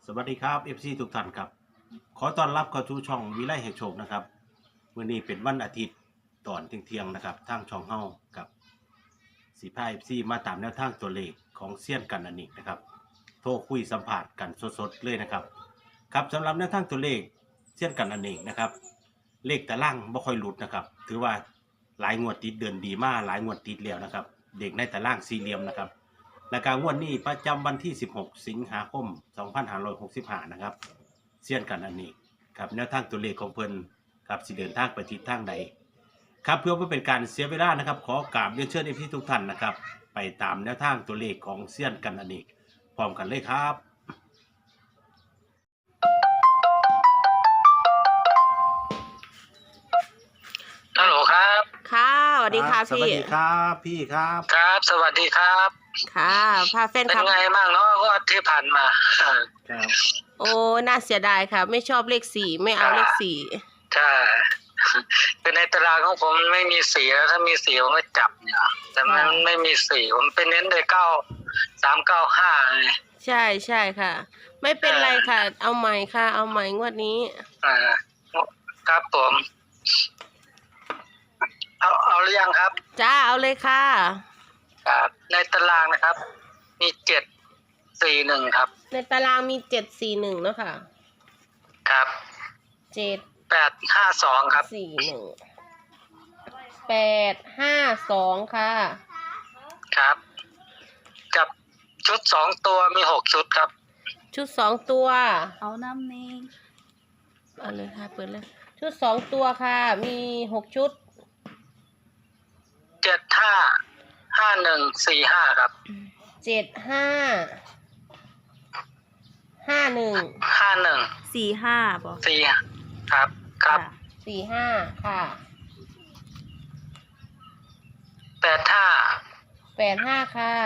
สวัสดีครับ FC ทุกท่านครับขอต้อนรับเข้าสู่ช่องวิไลแห่งโชคนะครับวันนี้เป็นวันอาทิตย์ตอนเที่ยงนะครับทางช่องเฮากับสีพา FC มาตามแนวทางตัวเลขของเซียนกันนันอีกนะครับโทรคุยสัมผัสกันสดๆเลยนะครับครับสำหรับแนวทางตัวเลขเซียนกันนันเองนะครับเลขตารางบ่ค่อยหลุดนะครับถือว่าหลายงวดติดเดือนดีมากหลายงวดติดแล้วนะครับเด็กในตารางสี่เหลี่ยมนะครับและการงวดนี้ประจำวันที่16สิงหาคม2565นะครับเซียนกันอันนี้ครับแนวทางตัวเลขของเพิ่นครับสิเดินทางไปทิศทางใดครับเพื่อไม่เป็นการเสียเวลานะครับขอกราบเรียนเชิญพี่ทุกท่านนะครับไปตามแนวทางตัวเลขของเซียนกันอันนี้พร้อมกันเลยครับฮัลโหลครับค่ะสวัสดีค่ะสวัสดีครับพี่ครับครับ สวัสดีครับค่ะพาแฟนเป็นคลับไงบ้างเนาะก็ที่ผ่านมาครับโอ้น่าเสียดายค่ะ ไม่ชอบเลขสี่ไม่เอาเลขสี่ใช่เป็นในตารางของผมมันไม่มีสีแล้วถ้ามีสีผมก็จับเนี่ยแต่มันไม่มีสีผมเป็นเน้นเลย395 ใช่ใช่ค่ะ ไม่เป็นไรค่ะ เอาใหม่ค่ะ เอาใหม่งวดนี้ครับผมเอาหรือยังครับจ้าเอาเลยค่ะครับในตารางนะครับ มี741ครับในตารางมี741เนาะค่ะครับ 852ครับ 852ค่ะครับ กับชุด2ตัวมี6ชุดครับชุด2ตัวเอาน้ำนี้เอาเลยค่ะเปิดเลย ชุด2ตัวค่ะ มี6ชุด 755145ครับ 7551 45บอก 4ครับครับ 45ค่ะ 85ค่ะ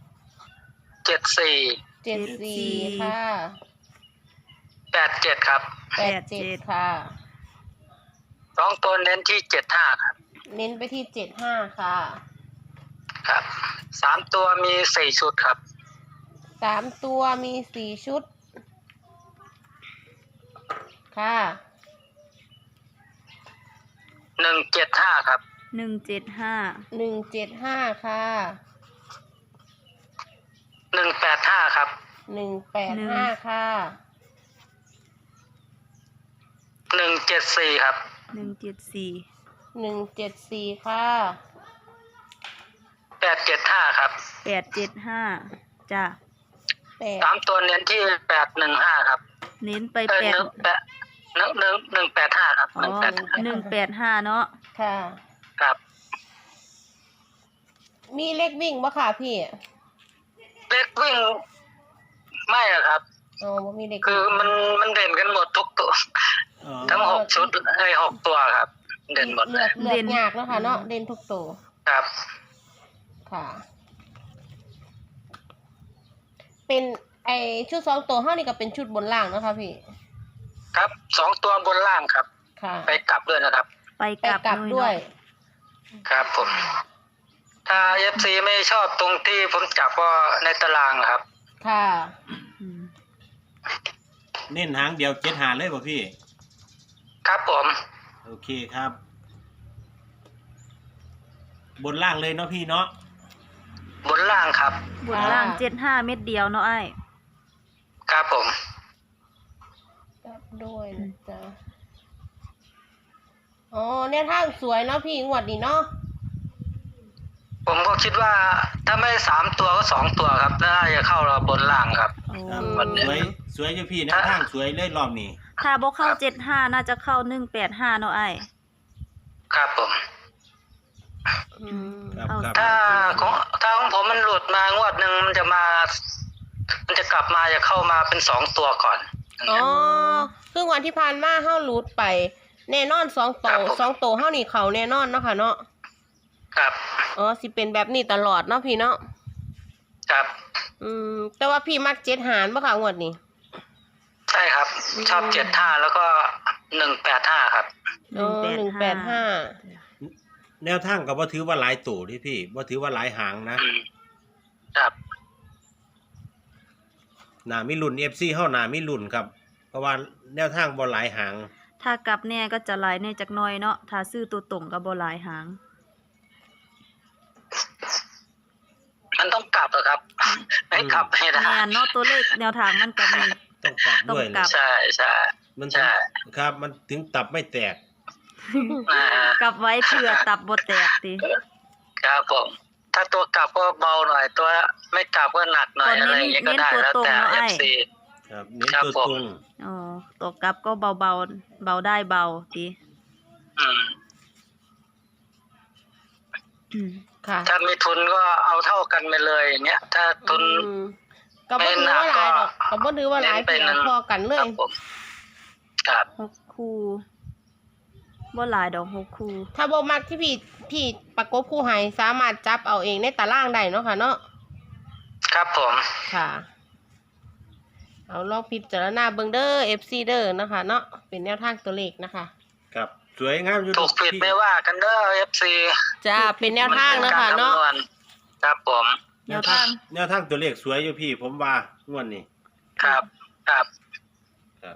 74 74ค่ะ 87ครับ 87ค่ะ 2ตัวเน้นที่75ครับเน้นไปที่75ค่ะครับ3ตัวมี4ชุดครับ 3ตัวมี4ชุดค่ะ 175ครับ 175 175ค่ะ 185ครับ 185ค่ะ 174ครับ 174 174ค่ะ 875ครับ 875จ้ะ 3ตัวเน้นที่815ครับเน้นไป 185ครับอ๋อ185เนาะค่ะครับมีเลขวิ่งบ่ค่ะพี่เลขวิ่งไม่อะครับอ๋อบ่มีเลขคือมันเด่นกันหมดทุกตัว ทั้ง6ชุด6ตัวครับ เด่นหมดเลือกยากแล้วค่ะเนาะเด่นทุกตัวครับค่ะ เป็นไอชุด2ตัวเฮานี่ก็เป็นชุดบนล่างเนาะค่ะพี่ครับ2ตัวบนล่างครับค่ะไปกลับด้วยนะครับไปไปกลับด้วยครับผม ถ้า FC ไม่ชอบตรงที่ผมจับก็ในตารางครับค่ะอืมเน้นหางเดียว7หาเลยป่ะพี่ครับผมโอเคครับ บนล่างเลยเนาะพี่เนาะบนล่างครับบนล่าง75เม็ดเดียวเนาะไอ้ครับผมกลับด้วยนะจ๊ะอ๋อเนี่ยทางสวยเนาะพี่งวดนี้เนาะผมก็คิดว่าถ้าไม่3ตัวก็2ตัวครับน่าจะเข้าเราบนล่างครับโอ้ครับวันนี้สวยอยู่พี่นะทางสวยเลยรอบนี้ถ้าบ่เข้า75น่าจะเข้า185เนาะไอ้ครับผมอืมครับเอาครับถ้าของผมมันหลุดมางวดหนึ่งมันจะกลับมาจะเข้ามาเป็น2ตัวก่อนอ๋อคือวันที่ผ่านมาเฮาหลุดไป แน่นอน2ตัว2ตัวเฮานี่เขาแน่นอนเนาะค่ะเนาะครับอ๋อสิเป็นแบบนี้ตลอดเนาะพี่เนาะครับแต่ว่าพี่มัก7หารบ่ค่ะงวดนี้ใช่ครับ ชอบ75แล้วก็185ครับอ๋อ185 แนวทางก็บ่ถือว่าหลายตู่ที่พี่บ่ถือว่าหลายหางนะครับหนามีรุ่น FC เฮาหนามีรุ่นครับ เพราะว่าแนวทางบ่หลายหางถ้ากลับแน่ก็จะหลายแน่จักหน่อยเนาะถ้าซื้อตัวตรงก็บ่หลายหางมันต้องกลับอะครับไม่กลับไม่ได้แม่นเนาะตัวเลขแนวทางมันก็มีต้องกลับด้วยต้องกลันะบใช่ใช่มันถึใช่งครับมันถึงตับไม่แตกอ่ากลับไว้เผื่อตับบ่แตกติครับผม ถ้าตัวกลับก็เบาหน่อย ตัวไม่กลับก็หนักหน่อยอะไรอย่างเงี้ยก็ได้แล้วแต่ FC ครับเน้นครับตัวผมตรงอ๋อตัวกลับก็เบาเบาได้เบาติอืมอืมค่ะถ้ามีทุนก็เอาเท่ากันไปเลยอย่างเงี้ย ถ้าทุนอืมก็บ่ถือว่าหลายดอกก็บ่ถือว่าหลายเน้นไปเพียนั้นงพอกันเลครัยบผมครับ 6 คู่บ่หลายดอก6คู่ถ้าบ่มักที่พี่ประกบคู่ให้สามารถจับเอาเองในตารางได้เนาะค่ะเนาะครับผมค่ะ เอาลองพิจารณาเบิ่งเด้อ FC เด้อนะคะเนาะเป็นแนวทางตัวเลขนะคะครับสวยงามอยู่ถูกผิดไม่ว่ากันเด้อ FC จ้าเป็นแนวทางนะคะเนาะมัป็กรคำวณครับผมแนวทางแนวทางตัวเลขสวยอยู่พี่ ผมว่างวดนี้ครับครับครับ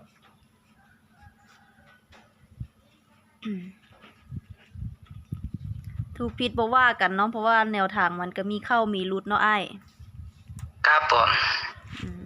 ถูกผิดบ่ว่ากันเนาะเพราะว่าแนวทางมันก็มีเข้ามีหลุดเนาะอ้ายครับผมอืม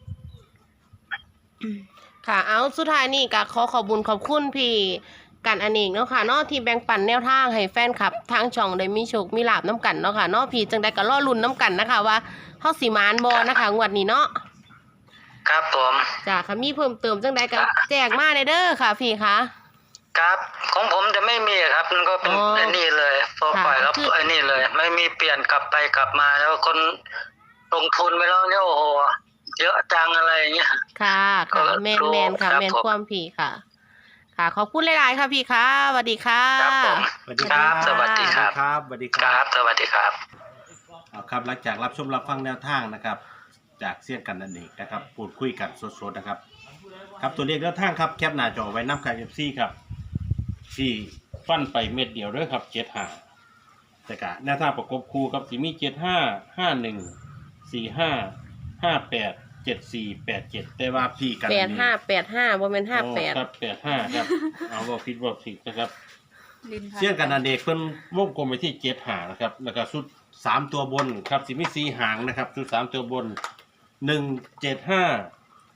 ค่ะ เอาสุดท้ายนี่ก็ขอขอบคุญขอบคุณพี่กันอเนกเนาะค่ะเนาะที่แบ่งปันแนวทางให้แฟนคลับทางช่องได้มีโชคมีลาบน้ำกันเนาะค่ะเนาะพี่จังใดก็รอลุ้นน้ำกันนะคะว่าเฮาสิมานบ่นะคะงวดนี้เนาะครับผมจ้าค่ะมีเพิ่มเติมจังใดก็แจ้งมาได้เด้อค่ะพี่คะครับของผมจะไม่มีครับมันก็เป็นอ๋อไอ้นี่เลยพอปล่อยแล้วคือไอ้นี่เลย ไม่มีเปลี่ยนกลับไปกลับมาแล้วคนลงทุนไปแล้วเนี่ยโอ้โหเยอะจังอะไรอย่างเงี้ยค่ะค่ะก็แมนรู้แมนค่ะครับแมนผมความพี่ค่ะ ค่ะขอบคุณหลายๆค่ะพี่ค่ะสวัสดีค่ะครับผมสวัสดีคครัรับบ สวัสดีครับครับสวัสดีคครัรับ บ สวัสดีครับเอาครับหลังจากรับชมรับฟังแนวทางนะครับ จากเสี้ยนกันนั่นเองนะครับพูดคุยกันสดๆนะครับ ครับตัวเลขแนวทางครับแคปหน้าจอไว้น้ำคายFCครับที่ฟันไปเม็ดเดียวด้วยครับ75แต่กะแนวทางประกบคู่ครับสิมี75 51 45 58 74 87แต่ว่าพี่กัน 8585บ่แม่นโอ้ครับ85ครับเอาบ่ผิดบ่ผิดนะครับ เสี้ยนกันนันเด็กเพิ่นวงกลมไปที่7หางนะครับแล้วก็ชุด3ตัวบนครับสิมี4หางนะครับชุด3ตัวบน175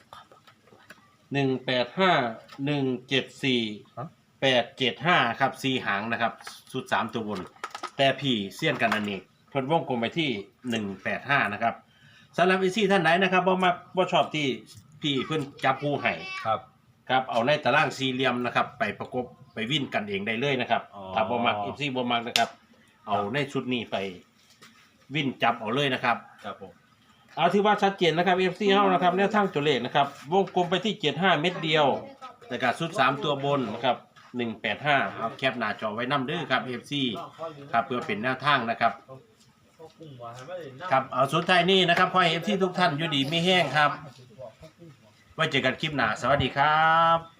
185 174 875ครับ4หางนะครับชุด3ตัวบน แต่พี่เสี้ยนกันนันเด็กเพิ่นวงกลมไปที่185นะครับสำหรับอีซี่ท่านไหนนะครับบ่มักบ่ชอบที่พี่เพิ่นจับคู่ให้ครับครับเอาในตารางสี่เหลี่ยมนะครับไปประกบไปวิ่นกันเองได้เลยนะครับอ๋อถ้าบ่มักอีซี่บ่มักนะครับ เอาในชุดนี้ไปวิ่นจับเอาเลยนะครับครับผมเอาที่ว่าชัดเจนนะครับ FC เฮานะครับแนวทางตัวเลขนะครับวงกลมไปที่75เม็ดเดียวนะครับชุด3ตัวบนนะครับ185เอาแคปหน้าจอไว้นํเด้อครับ FC ครับเพื่อเป็นแนวทางนะครับครับเอาสุดท้ายนี้นะครับขอให้ FC ทุกท่านอยู่ดีมีแห้งครับไว้เจอกันคลิปหน้าสวัสดีครับ